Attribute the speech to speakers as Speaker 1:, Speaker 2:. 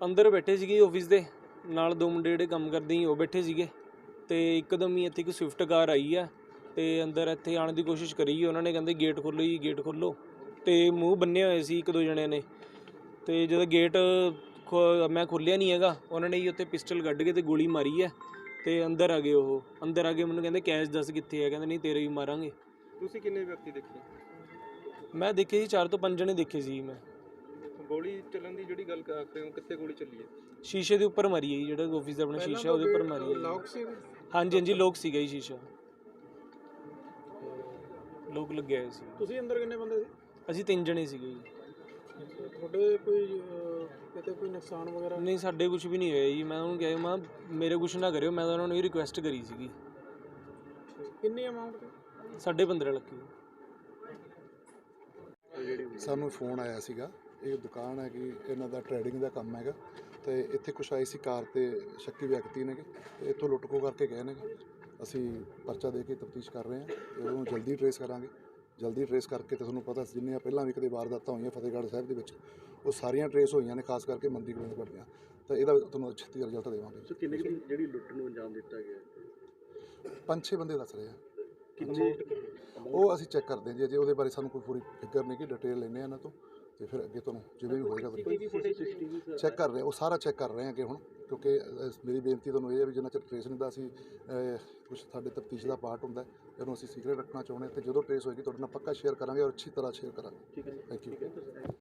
Speaker 1: ਅੰਦਰ ਬੈਠੇ ਸੀਗੇ ਆਫਿਸ ਦੇ ਨਾਲ, ਦੋ ਮੁੰਡੇ ਜਿਹੜੇ ਕੰਮ ਕਰਦੇ ਸੀ ਉਹ ਬੈਠੇ ਸੀਗੇ ਤੇ ਇੱਕਦਮ ਹੀ ਇੱਥੇ ਇੱਕ ਸਵਿਫਟ ਕਾਰ ਆਈ ਆ ਤੇ ਅੰਦਰ ਇੱਥੇ ਆਉਣ ਦੀ ਕੋਸ਼ਿਸ਼ ਕਰੀ। ਉਹਨਾਂ ਨੇ ਕਹਿੰਦੇ ਗੇਟ ਖੋਲ੍ਹੋ ਜੀ, ਗੇਟ ਖੋਲ੍ਹੋ, ਤੇ ਮੂੰਹ ਬੰਨੇ ਹੋਏ ਸੀ ਇੱਕ ਦੋ ਜਣਿਆਂ ਨੇ। ਤੇ ਜਦੋਂ ਗੇਟ ਮੈਂ ਖੋਲ੍ਹਿਆ ਨਹੀਂ ਹੈਗਾ, ਉਹਨਾਂ ਨੇ ਜੀ ਉੱਥੇ ਪਿਸਟਲ ਕੱਢ ਕੇ ਤੇ ਗੋਲੀ ਮਾਰੀ ਹੈ ਤੇ ਅੰਦਰ ਆ ਗਏ। ਉਹ ਅੰਦਰ ਆ ਕੇ ਮੈਨੂੰ ਕਹਿੰਦੇ ਕੈਸ਼ ਦੱਸ ਕਿੱਥੇ ਹੈ, ਕਹਿੰਦੇ ਨਹੀਂ ਤੇਰੇ ਵੀ ਮਾਰਾਂਗੇ।
Speaker 2: ਤੁਸੀਂ ਕਿੰਨੇ ਵਿਅਕਤੀ ਦੇਖੇ?
Speaker 1: ਮੈਂ ਦੇਖੇ ਜੀ 4 ਤੋਂ 5 ਜਣੇ ਦੇਖੇ ਸੀ ਮੈਂ।
Speaker 2: ਗੋਲੀ ਚੱਲਣ ਦੀ ਜਿਹੜੀ ਗੱਲ ਕਰ ਰਹੇ ਹੋ, ਕਿੱਥੇ ਗੋਲੀ ਚੱਲੀ ਹੈ?
Speaker 1: ਸ਼ੀਸ਼ੇ ਦੇ ਉੱਪਰ ਮਾਰੀ ਹੈ ਜੀ, ਜਿਹੜਾ ਆਫਿਸ ਦਾ ਆਪਣਾ ਸ਼ੀਸ਼ਾ ਉਹਦੇ ਉੱਪਰ ਮਾਰੀ ਹੈ।
Speaker 2: ਲੌਕ ਸੀ?
Speaker 1: ਹਾਂਜੀ ਹਾਂਜੀ ਲੋਕ ਸੀਗਾ ਜੀ, ਸ਼ੀਸ਼ਾ ਲੋਕ ਲੱਗਿਆ ਹੋਇਆ ਸੀ।
Speaker 2: ਤੁਸੀਂ ਅੰਦਰ ਕਿੰਨੇ ਬੰਦੇ ਸੀ?
Speaker 1: ਅਸੀਂ 3 ਜਣੇ ਸੀਗੇ ਜੀ।
Speaker 2: ਤੁਹਾਡੇ ਕੋਈ ਕਿਤੇ ਕੋਈ ਨੁਕਸਾਨ ਵਗੈਰਾ?
Speaker 1: ਨਹੀਂ ਸਾਡੇ ਕੁਝ ਵੀ ਨਹੀਂ ਹੋਇਆ ਜੀ। ਮੈਂ ਉਹਨੂੰ ਕਿਹਾ ਮੈਂ ਮੇਰੇ ਕੁਝ ਨਾ ਕਰਿਓ, ਮੈਂ ਤਾਂ ਉਹਨਾਂ ਨੂੰ ਇਹ ਰਿਕੁਐਸਟ ਕਰੀ ਸੀਗੀ।
Speaker 2: ਕਿੰਨੀ ਅਮਾਊਂਟ ਦੀ?
Speaker 1: 15.5 ਲੱਖ।
Speaker 3: ਸਾਨੂੰ ਫੋਨ ਆਇਆ ਸੀਗਾ, ਇਹ ਦੁਕਾਨ ਹੈ ਕਿ ਇਹਨਾਂ ਦਾ ਟਰੇਡਿੰਗ ਦਾ ਕੰਮ ਹੈਗਾ ਤੇ ਇੱਥੇ ਕੁਛ ਆਏ ਸੀ ਕਾਰ ਤੇ ਸ਼ੱਕੀ ਵਿਅਕਤੀ ਨੇਗੇ ਤੇ ਇੱਥੋਂ ਲੁੱਟ ਖੋਹ ਕਰਕੇ ਗਏ ਨੇਗੇ। ਅਸੀਂ ਪਰਚਾ ਦੇ ਕੇ ਤਫਤੀਸ਼ ਕਰ ਰਹੇ ਹਾਂ ਤੇ ਉਹਨੂੰ ਜਲਦੀ ਟਰੇਸ ਕਰਾਂਗੇ। ਜਲਦੀ ਟਰੇਸ ਕਰਕੇ ਤੇ ਤੁਹਾਨੂੰ ਪਤਾ ਜਿੰਨੀਆਂ ਪਹਿਲਾਂ ਵੀ ਕਦੇ ਵਾਰਦਾਤਾਂ ਹੋਈਆਂ ਫਤਿਹਗੜ੍ਹ ਸਾਹਿਬ ਦੇ ਵਿੱਚ, ਉਹ ਸਾਰੀਆਂ ਟਰੇਸ ਹੋਈਆਂ ਨੇ, ਖਾਸ ਕਰਕੇ ਮੰਦੀ ਗੋਬਿੰਦ ਪੱਟੀਆਂ, ਤਾਂ ਇਹਦਾ ਤੁਹਾਨੂੰ ਛੇਤੀ ਰਿਜ਼ਲਟ ਦੇਵਾਂਗੇ।
Speaker 2: ਸੋ ਕਿੰਨੇ ਜਿਹੜੀ ਲੁੱਟ ਨੂੰ ਅੰਜਾਮ ਦਿੱਤਾ ਗਿਆ?
Speaker 3: 5-6 ਬੰਦੇ ਦੱਸ ਰਹੇ ਆ।
Speaker 2: ਕਿੰਨੇ?
Speaker 3: ਉਹ ਅਸੀਂ ਚੈੱਕ ਕਰਦੇ ਹਾਂ ਜੀ, ਅਜੇ ਉਹਦੇ ਬਾਰੇ ਸਾਨੂੰ ਕੋਈ ਪੂਰੀ ਫਿਕਰ ਨਹੀਂ ਕਿ ਡਿਟੇਲ ਲੈਂਦੇ ਹਾਂ ਇਹਨਾਂ ਤੋਂ ਤੇ ਫਿਰ ਅੱਗੇ ਤੁਹਾਨੂੰ ਜਿਵੇਂ ਵੀ ਹੋਏਗਾ ਚੈੱਕ ਕਰ ਰਹੇ, ਉਹ ਸਾਰਾ ਚੈੱਕ ਕਰ ਰਹੇ ਹਾਂ ਅੱਗੇ ਹੁਣ, ਕਿਉਂਕਿ ਮੇਰੀ ਬੇਨਤੀ ਤੁਹਾਨੂੰ ਇਹ ਹੈ ਵੀ ਜਿੰਨਾ ਚਿਰ ਟਰੇਸ ਨਹੀਂ ਦਾ ਅਸੀਂ ਕੁਛ ਸਾਡੇ ਤਫਤੀਸ਼ ਦਾ ਪਾਰਟ ਹੁੰਦਾ ਇਹਨੂੰ ਅਸੀਂ ਸੀਕ੍ਰੇਟ ਰੱਖਣਾ ਚਾਹੁੰਦੇ ਹਾਂ ਤੇ ਜਦੋਂ ਟਰੇਸ ਹੋਏਗੀ ਤੁਹਾਡੇ ਨਾਲ ਪੱਕਾ ਸ਼ੇਅਰ ਕਰਾਂਗੇ ਔਰ ਅੱਛੀ ਤਰ੍ਹਾਂ ਸ਼ੇਅਰ ਕਰਾਂਗੇ। Thank you.